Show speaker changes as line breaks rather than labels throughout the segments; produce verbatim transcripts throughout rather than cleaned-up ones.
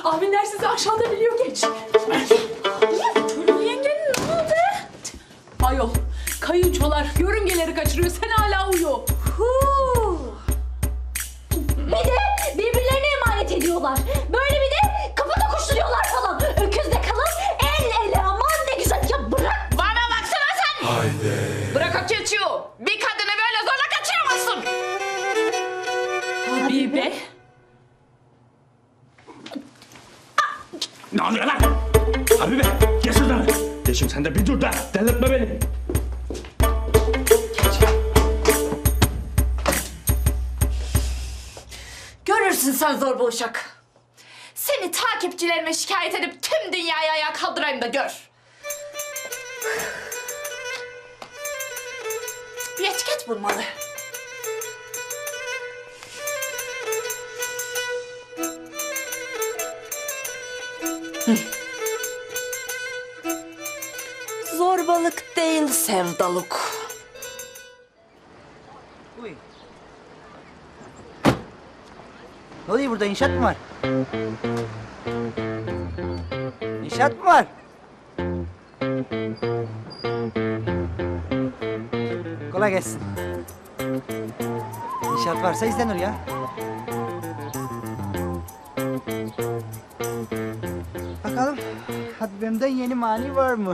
Abinler sizi aşağıda biliyor geç. Gülüm yengenin ne oldu? Ayol, kayınçolar yörüngeleri kaçırıyor. Sen hala uyu.
Huu. Bir de birbirlerine emanet ediyorlar. Böyle bir de kafada kuşturuyorlar falan. Öküzde kalan el ele aman ne güzel. Ya bırak.
Bana baksana sen.
Haydi.
Bırak o keçiyi. Bir kadını böyle zorla kaçıramazsın.
Habibe.
Ne oluyor lan? Habibe gel şuradan. Yeşim sen de bir dur da delirtme beni.
Görürsün sen zorba uşak. Seni takipçilerime şikayet edip tüm dünyayı ayağa kaldırayım da gör. Bir etiket bulmalı. Zorbalık değil sevdalık.
Uy. Ne oluyor burada? İnşaat mı var? İnşaat mı var? Kolay gelsin. İnşaat varsa izlenir ya. Bakalım Habibem'den yeni mani var mı?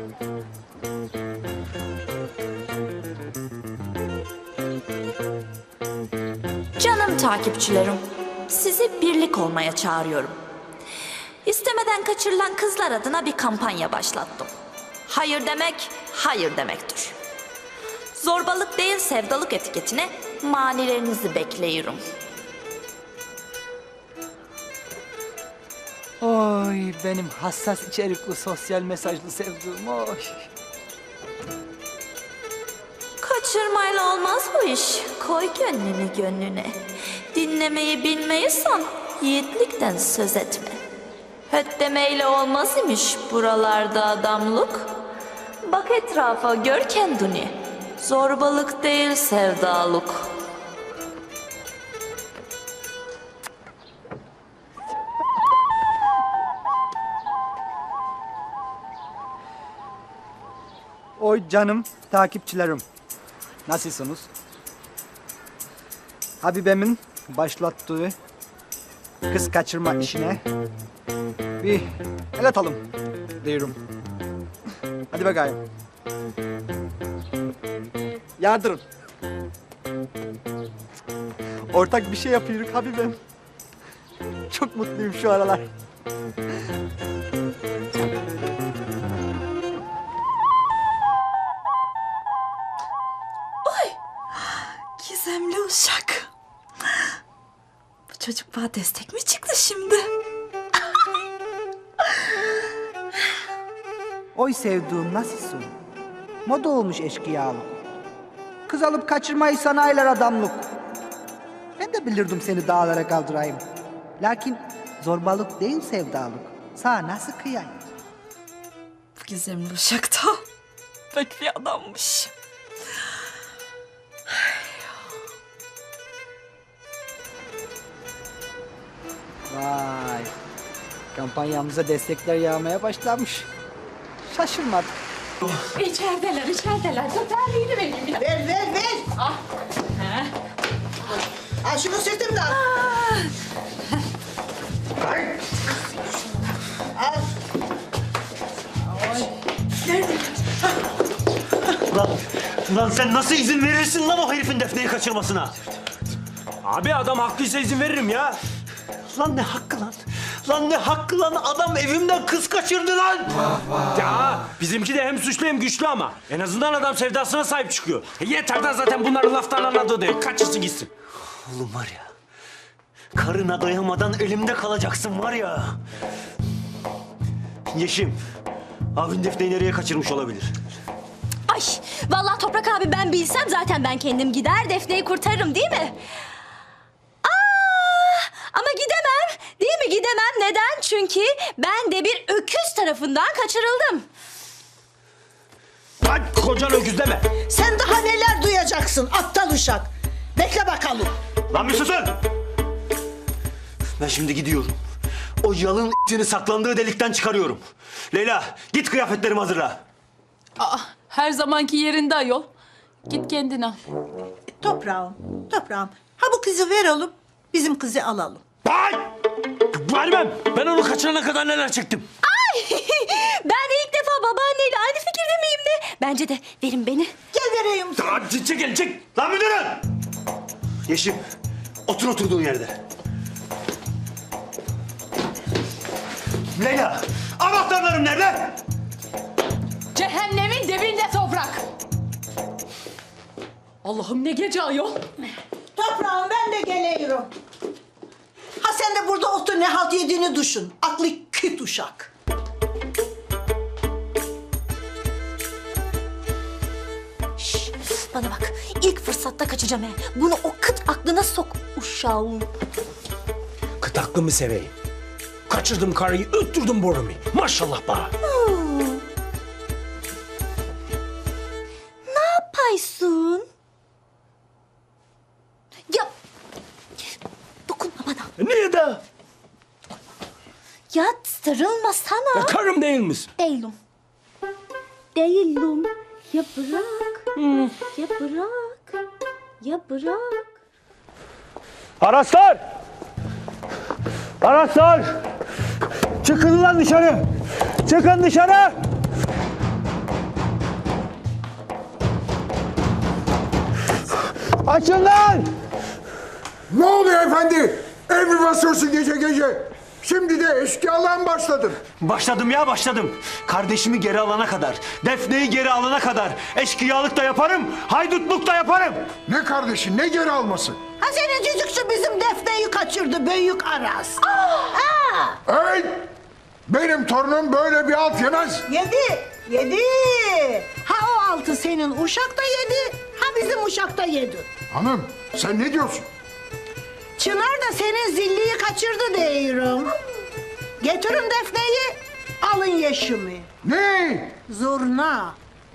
Canım takipçilerim, sizi birlik olmaya çağırıyorum. İstemeden kaçırılan kızlar adına bir kampanya başlattım. Hayır demek, hayır demektir. Zorbalık değil sevdalık etiketine manilerinizi bekliyorum.
Oy benim hassas içerikli sosyal mesajlı sevdiğim oy.
Kaçırmayla olmaz bu iş. Koy gönlünü gönlüne. Dinlemeyi bilmeyisan yiğitlikten söz etme. Höt demeyle olmaz imiş buralarda adamlık. Bak etrafa gör kendini. Zorbalık değil sevdalık.
Oy canım takipçilerim. Nasılsınız? Habibemin başlattığı kız kaçırma işine bir el atalım diyorum. Hadi bakayım. Yardırın. Ortak bir şey yapıyoruz Habibem. Çok mutluyum şu aralar.
Gizemli uşak. Bu çocuk bana destek mi çıktı şimdi?
Oy sevduğum nasılsın? Moda olmuş eşkıyalık. Kız alıp kaçırmayı sanayiler adamlık. Ben de bilirdim seni dağlara kaldırayım. Lakin zorbalık değil sevdalık. Sana nasıl kıyayım?
Bu gizemli uşak da pek bir adammış.
Vay. Kampanyamıza destekler yağmaya başlamış. Şaşırmadık.
İçerideler, içerideler. Dur terliğini vereyim bir de.
Ver ver ver.
Ah. He.
Al şunu sırtımdan. Al.
Lan, lan sen nasıl izin verirsin lan o herifin Defne'yi kaçırmasına? Abi adam haklıysa izin veririm ya. Lan ne hakkı lan? Lan ne hakkı lan? Adam evimden kız kaçırdı lan! Ya bizimki de hem suçlu hem güçlü ama. En azından adam sevdasına sahip çıkıyor. E yeter de zaten bunların laftan anladığı değil. Kaçırsın gitsin. Oğlum var ya, karına doyamadan elimde kalacaksın var ya. Yeşim, abin Defne'yi nereye kaçırmış olabilir?
Ay vallahi Toprak abi ben bilsem zaten ben kendim gider Defne'yi kurtarırım değil mi? Aa, ama gidemem değil mi gidemem neden? Çünkü ben de bir öküz tarafından kaçırıldım.
Lan kocan öküz deme.
Sen daha neler duyacaksın aptal uşak. Bekle bakalım.
Lan bir susun! Ben şimdi gidiyorum. O o yalın ***'ini saklandığı delikten çıkarıyorum. Leyla, git kıyafetlerimi hazırla.
Aa, her zamanki yerinde ayol. Git kendin al.
Toprağım, toprağım. Ha bu kızı ver oğlum. Bizim kızı alalım.
Ay! Vermem. Ben onu kaçırana kadar neler çektim.
Ben de ilk defa babaanneyle aynı fikirde miyim de? Bence de verin beni.
Gel vereyim.
Hadi çekil, çek. Lan müdürüm! Yeşim, otur oturduğun yerde. Leyla, anahtarlarım nerede?
Cehennemin dibinde toprak. Allah'ım ne gece ayol.
Toprağım ben de geliyorum. Ha sen de burada otur ne halt yediğini düşün. Aklı küt uşak.
Şş, bana bak. İlk fırsatta kaçacağım he. Bunu o kıt aklına sok uşağım.
Kıt aklımı seveyim. Kaçırdım karıyı, öttürdüm borumu. Maşallah bana.
Ne yapaysın? Ya dokunma bana.
Niye de?
Ya sarılma sana.
Karım değil misin?
Değilim. Değilim. Ya bırak. Ya bırak. Ya bırak.
Araçlar! Araçlar! Çıkın lan dışarı! Çıkın dışarı! Açın lan!
Ne oluyor efendi? Ev mi basıyorsun gece gece? Şimdi de eşkıyalığa mı başladın?
Başladım ya başladım. Kardeşimi geri alana kadar, Defne'yi geri alana kadar eşkıyalık da yaparım, haydutluk da yaparım.
Ne kardeşin, ne geri alması?
Ha senin cücükçü bizim Defne'yi kaçırdı büyük Aras.
Hey! Benim torunum böyle bir alt yemez.
Yedi, yedi. Ha o altı senin uşak da yedi, ha bizim uşak da yedi.
Hanım, sen ne diyorsun?
Çınar da senin zilliyi kaçırdı diyorum. Getirin Defne'yi, alın Yeşim'i.
Ne?
Zurna.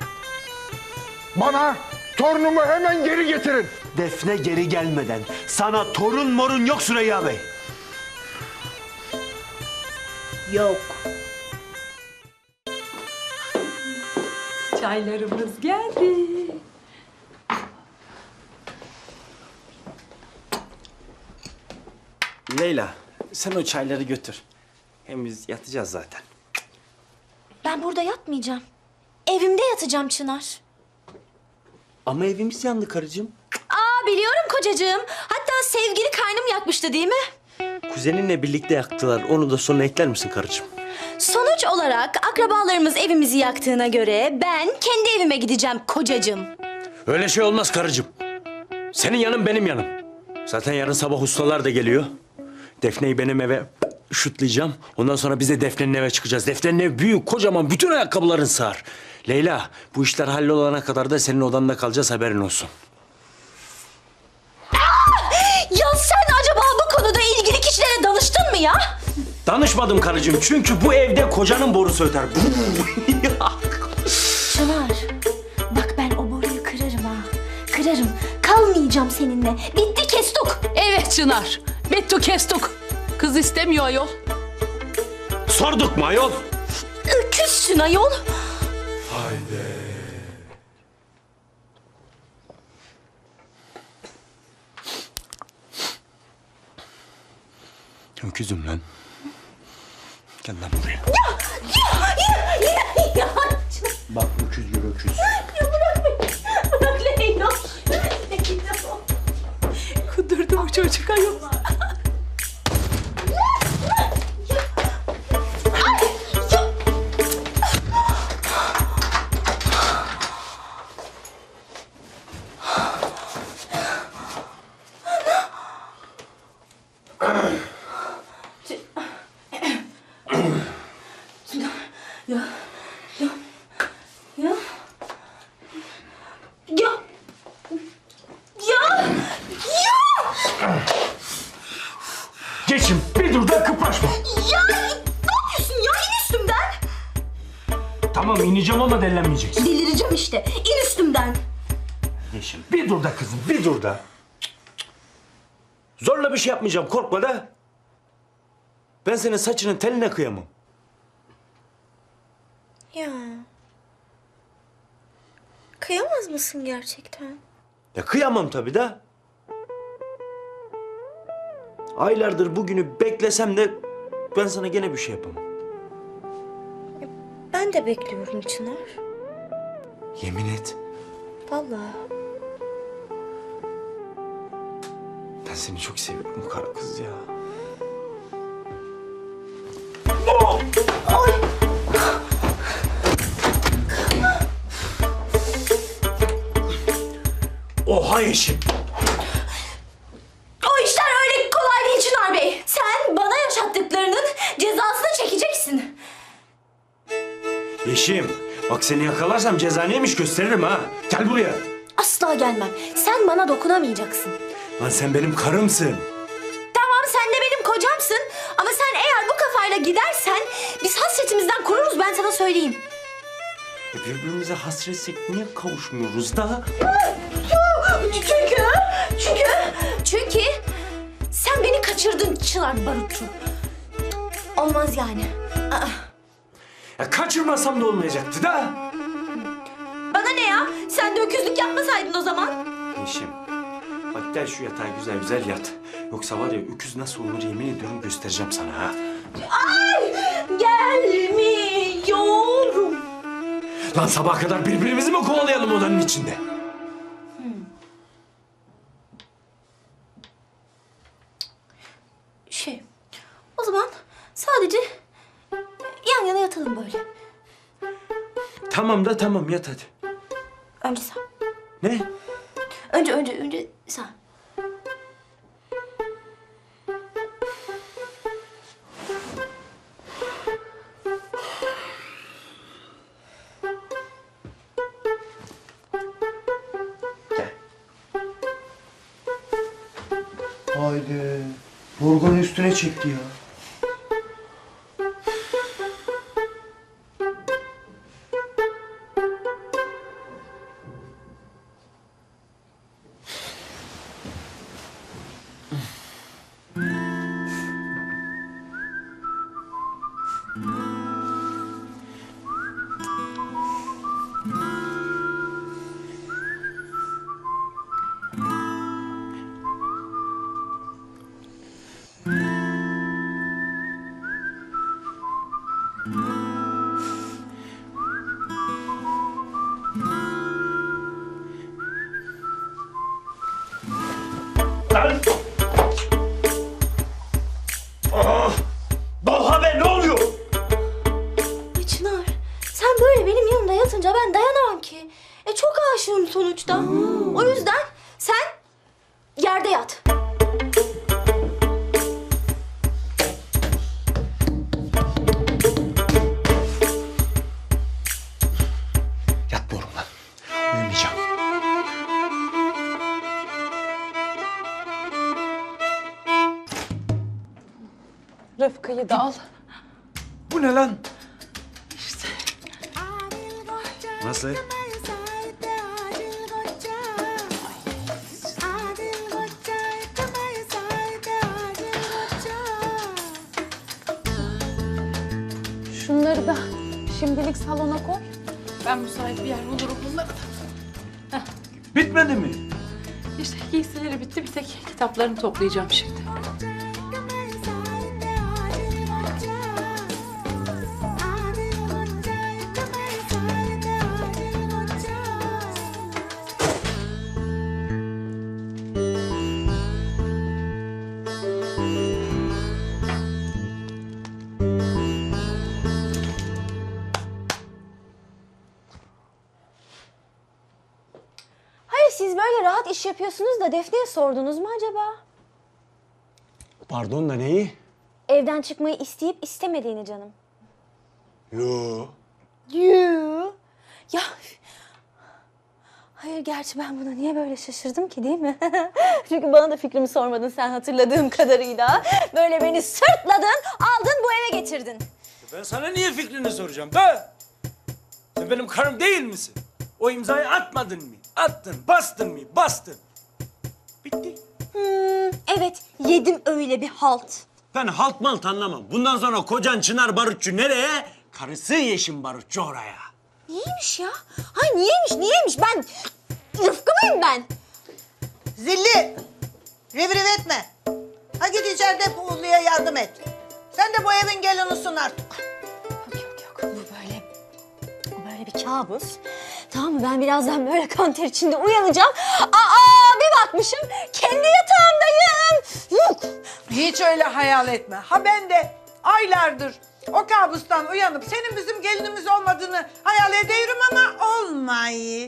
Bana torunumu hemen geri getirin.
Defne geri gelmeden sana torun morun yok Süreyya Bey.
Yok.
Çaylarımız geldi.
Leyla, sen o çayları götür. Hem biz yatacağız zaten.
Ben burada yatmayacağım. Evimde yatacağım Çınar.
Ama evimiz yandı karıcığım.
Aa biliyorum kocacığım. Hatta sevgili kaynım yakmıştı değil mi?
Kuzeninle birlikte yaktılar. Onu da sonra ekler misin karıcığım?
Sonuç olarak akrabalarımız evimizi yaktığına göre ben kendi evime gideceğim kocacığım.
Öyle şey olmaz karıcığım. Senin yanın benim yanım. Zaten yarın sabah ustalar da geliyor. Defne'yi benim eve şutlayacağım. Ondan sonra biz de Defne'nin eve çıkacağız. Defne'nin evi büyük, kocaman, bütün ayakkabıların sığar. Leyla, bu işler hallolana kadar da senin odanda kalacağız, haberin olsun.
Ya sen acaba bu konuda ilgili kişilere danıştın mı ya?
Danışmadım karıcığım çünkü bu evde kocanın borusu öter.
Çınar, bak ben o boruyu kırarım ha. Kırarım. Kalmayacağım seninle. Bitti kestuk.
Evet Çınar. Bittu kestuk. Kız istemiyor ayol.
Sorduk mu ayol?
Öküzsün ayol.
Öküzüm lan. Gel lan buraya.
Ya, ya, yine, yine, ya.
Bak öküz gibi öküz.
Ya bırak beni. Bırak Leyla. Leyla.
Kudurdu bu çocuk ayol.
Ya. Ya. Ya.
Geçin bir dur da kıpraşma.
Ya ne yapıyorsun ya? İn üstümden.
Tamam ineceğim ama dellenmeyeceksin.
Delireceğim işte. İn üstümden.
Yeşim bir dur da kızım bir dur da. Zorla bir şey yapmayacağım korkma da. Ben senin saçının teline kıyamam.
Ya. Kıyamaz mısın gerçekten?
Ya kıyamam tabii de. Aylardır bugünü beklesem de ben sana gene bir şey yapamam.
Ben de bekliyorum Çınar.
Yemin et.
Vallahi.
Ben seni çok seviyorum kara kız ya. Oha Yeşim.
O işler öyle kolay değil Çınar Bey. Sen bana yaşattıklarının cezasını çekeceksin.
Yeşim. Bak seni yakalarsam ceza neymiş gösteririm ha. Gel buraya.
Asla gelmem. Sen bana dokunamayacaksın.
Lan sen benim karımsın.
Tamam sen de benim kocamsın. Ama sen eğer bu kafayla gidersen biz hasretimizden kururuz, ben sana söyleyeyim.
E birbirimize hasretsek niye kavuşmuyoruz da?
Çünkü, çünkü, çünkü sen beni kaçırdın Çınar Barutçu. Olmaz yani. Aa,
Ya kaçırmasam da olmayacaktı da.
bana ne ya? Sen de öküzlük yapmasaydın o zaman.
Yeşim. Bak gel şu yatağa güzel güzel yat. Yoksa var ya öküz nasıl olur yemin ediyorum göstereceğim sana ha.
Ay, gelmiyorum.
Lan sabaha kadar birbirimizi mi kovalayalım odanın içinde?
Şey, o zaman sadece yan yana yatalım böyle.
Tamam da tamam yat hadi.
Önce sen.
Ne?
Önce, önce, önce sen.
Haydi. Yorganın üstüne çekti ya.
Lan! Ah! Balha be ne oluyor?
Ya Çınar, sen böyle benim yanımda yatınca ben dayanamam ki. E çok aşığım sonuçta. O yüzden sen yerde yat.
Yatmıyorum lan. Uyumayacağım.
Rıfkı'yı da al.
Bu ne lan? Nasıl?
Şunları da şimdilik salona koy. Ben müsait bir yer bulurum bunları da.
Bitmedi mi?
İşte giysileri bitti. Bir tek kitaplarını toplayacağım şimdi.
Hayır, siz böyle rahat iş yapıyorsunuz da Defne'ye sordunuz mu acaba?
Pardon da neyi?
Evden çıkmayı isteyip istemediğini canım.
Yo.
Yoo. Ya hayır, gerçi ben buna niye böyle şaşırdım ki, değil mi? Çünkü bana da fikrimi sormadın sen, hatırladığım kadarıyla. Böyle beni sırtladın, aldın bu eve getirdin.
Ben sana niye fikrini soracağım be? Sen benim karım değil misin? O imzayı atmadın mı? Attın, bastın mı? Bastın. Bitti.
Hmm, evet, yedim öyle bir halt.
Ben halt malt anlamam. Bundan sonra kocan Çınar Barutçu nereye? Karısı Yeşim Barutçu oraya.
Niyeymiş ya? Hay niyeymiş niyeymiş ben Rıfkı mıyım ben?
Zilli, revriv etme. Ha git içeride Puğlu'ya yardım et. Sen de bu evin gelinisin artık.
Yok yok yok bu böyle böyle bir kabus. Tamam mı ben birazdan böyle kan ter içinde uyanacağım. Aa bir bakmışım kendi yatağımdayım. Yok.
Hiç öyle hayal etme. Ha ben de aylardır o kabustan uyanıp senin bizim gelinimiz olmadığını hayal ediyorum ama olmayı.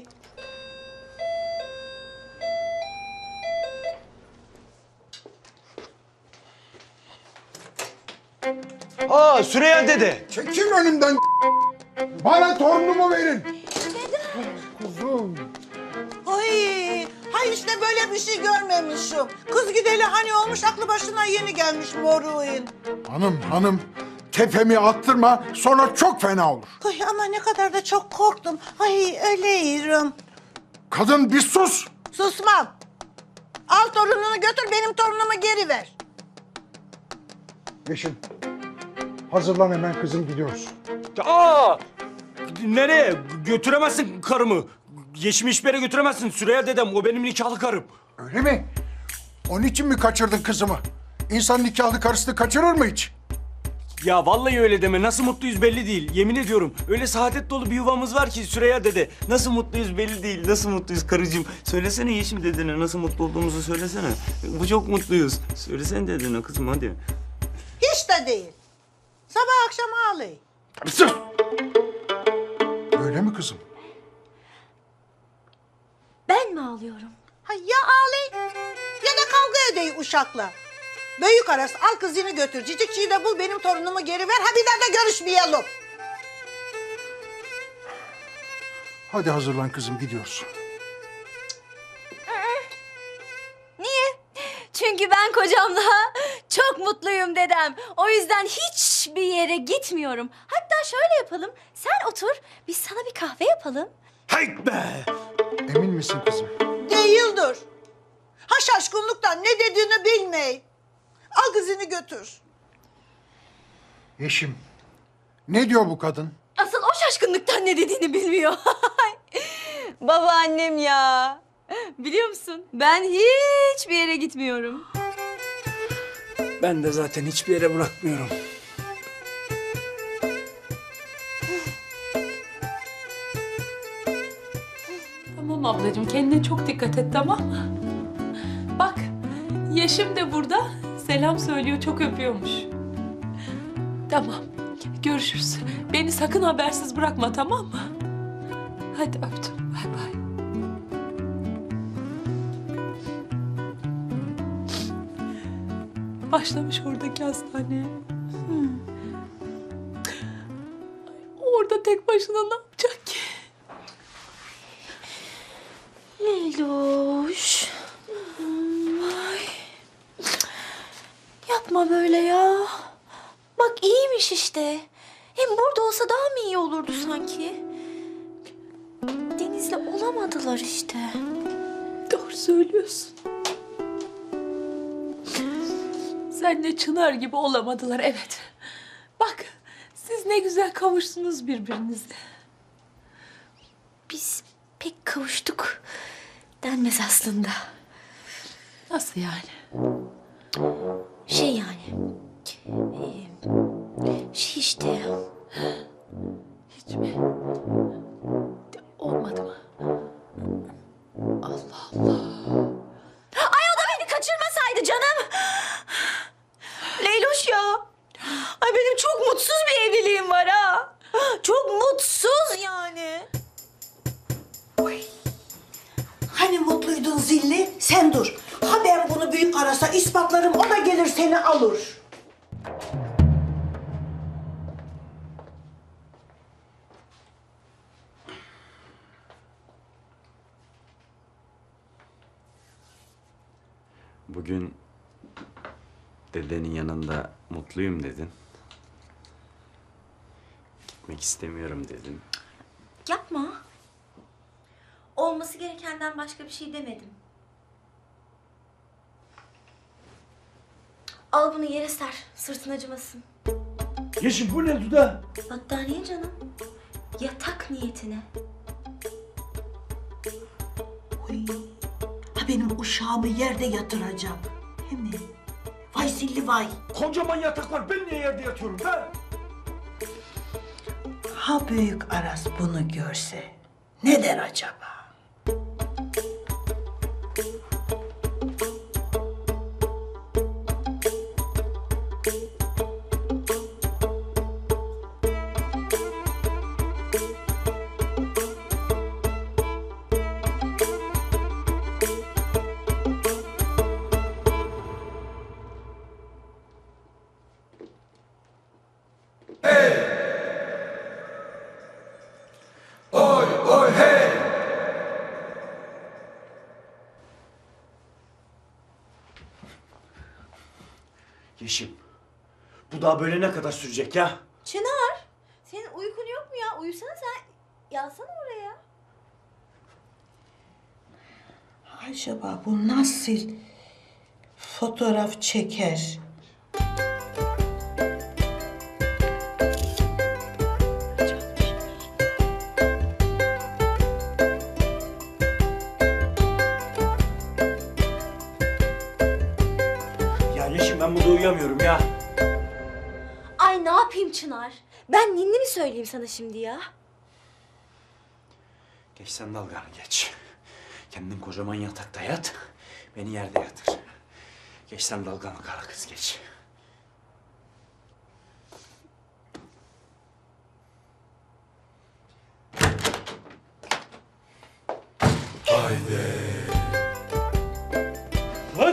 Aa Süreyya dede.
Çekil önümden. Bana torunumu verin. Kuzum.
Ay, hay işte böyle bir şey görmemişim. Kız gideli hani olmuş aklı başına yeni gelmiş moruğun.
Hanım hanım tepemi attırma sonra çok fena olur.
Ay ama ne kadar da çok korktum. Ay öyleyim.
Kadın bir sus.
Susmam. Al torununu götür benim torunumu geri ver.
Yeşim hazırlan hemen kızım gidiyoruz.
Aa! Nereye? Götüremezsin karımı. Yeşim hiçbir yere götüremezsin. Süreyya dedem, o benim nikahlı karım.
Öyle mi? Onun için mi kaçırdın kızımı? İnsan nikahlı karısını kaçırır mı hiç?
Ya vallahi öyle deme. Nasıl mutluyuz belli değil. Yemin ediyorum. Öyle saadet dolu bir yuvamız var ki Süreyya dede. Nasıl mutluyuz belli değil. Nasıl mutluyuz karıcığım. Söylesene Yeşim dedene nasıl mutlu olduğumuzu söylesene. Bu çok mutluyuz. Söylesene dedene kızım hadi.
Hiç de değil. Sabah akşam ağlayın.
Sus! Öyle mi kızım?
Ben mi ağlıyorum?
Ha ya ağlayın ya da kavga edeyim uşakla. Büyük arası al kızını götür. Cicikçiyi de bul benim torunumu geri ver. Ha bir daha da görüşmeyelim.
Hadi hazırlan kızım gidiyoruz.
Niye? Çünkü ben kocamla çok mutluyum dedem. O yüzden hiçbir yere gitmiyorum. Hatta şöyle yapalım. Sen otur, biz sana bir kahve yapalım.
Hayt be!
Emin misin kızım?
Değildir. Ha şaşkınlıktan ne dediğini bilmey. Al kızını götür.
Yeşim ne diyor bu kadın?
Asıl o şaşkınlıktan ne dediğini bilmiyor. Babaannem ya. Biliyor musun? Ben hiçbir yere gitmiyorum.
Ben de zaten hiçbir yere bırakmıyorum.
Tamam ablacığım kendine çok dikkat et tamam mı? Bak Yeşim de burada selam söylüyor çok öpüyormuş. Tamam görüşürüz. Beni sakın habersiz bırakma tamam mı? Hadi öptüm bay bay. Başlamış oradaki hastaneye. Hmm. Orada tek başına ne yapacak ki?
Leyloş. Ay. Yapma böyle ya. Bak iyiymiş işte. Hem burada olsa daha mı iyi olurdu sanki? Deniz'le olamadılar işte.
Doğru söylüyorsun. Senle Çınar gibi olamadılar evet. Bak siz ne güzel kavuştunuz birbirinize.
Biz pek kavuştuk denmez aslında.
Nasıl yani?
Şey yani. e, Şey işte.
Hiç mi? Olmadı mı? Allah Allah.
Ay o da beni kaçırmasaydı canım. Leyloş ya. Ay benim çok mutsuz bir evliliğim var ha. Çok mutsuz yani.
Hani mutluydun zilli? Sen dur. Ha ben bunu büyük arasa ispatlarım o da gelir seni alır.
Bugün dedenin yanında mutluyum dedin. Gitmek istemiyorum dedin.
Yapma. Olması gerekenden başka bir şey demedim. Al bunu yere ser. Sırtın acımasın.
Yeşim bu ne Duda?
Battaniye canım. Yatak niyetine.
Oy. Ha benim uşağımı yerde yatıracağım. Değil mi? Vay zilli vay.
Kocaman yatak var. Ben niye yerde yatıyorum be?
Ha büyük Aras bunu görse ne der acaba?
Yeşim, bu daha böyle ne kadar sürecek ya?
Çınar, senin uykun yok mu ya? Uyusana sen. Yatsana oraya.
Acaba bu nasıl fotoğraf çeker?
Ya Yeşim ben burada uyuyamıyorum ya.
Ay ne yapayım Çınar? Ben ninni mi söyleyeyim sana şimdi ya?
Geç sen dalganı geç. Kendin kocaman yatakta yat, beni yerde yatır. Geç sen dalganı kara kız geç. Lan!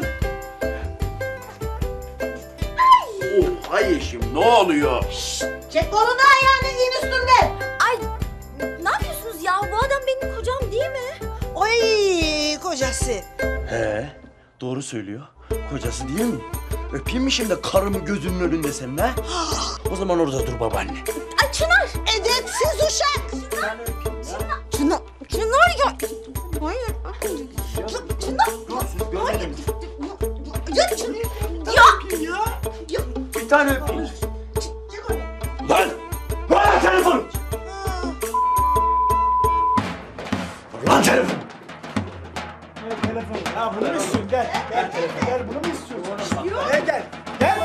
Oha Yeşim ne oluyor?
Çek kolunu ayağını in üstünden.
Ay ne yapıyorsunuz ya? Bu adam benim kocam değil mi?
Oy kocası.
He doğru söylüyor. Kocası değil mi? Öpeyim mi şimdi karımı gözünün önünde senin ha? O zaman orada dur babaanne.
Ay Çınar!
Edepsiz uşak.
Çınar, Çınar ya! Hayır. Çınar! Hayır. Ya Çınar! Ya!
Bir tane öpeyim. Lan! Ver lan telefonu! Ver lan telefonu!
Ya bunu mu istiyorsun? Gel. Gel. Gel bunu mu istiyorsun? Gel gel. Gel.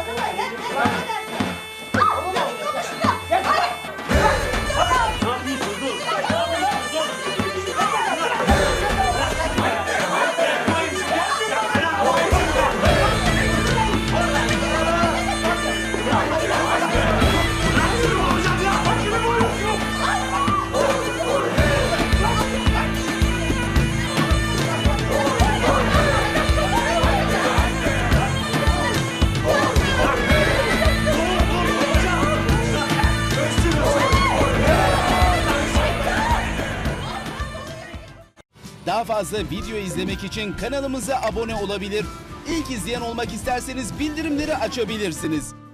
Daha fazla video izlemek için kanalımıza abone olabilir. İlk izleyen olmak isterseniz bildirimleri açabilirsiniz.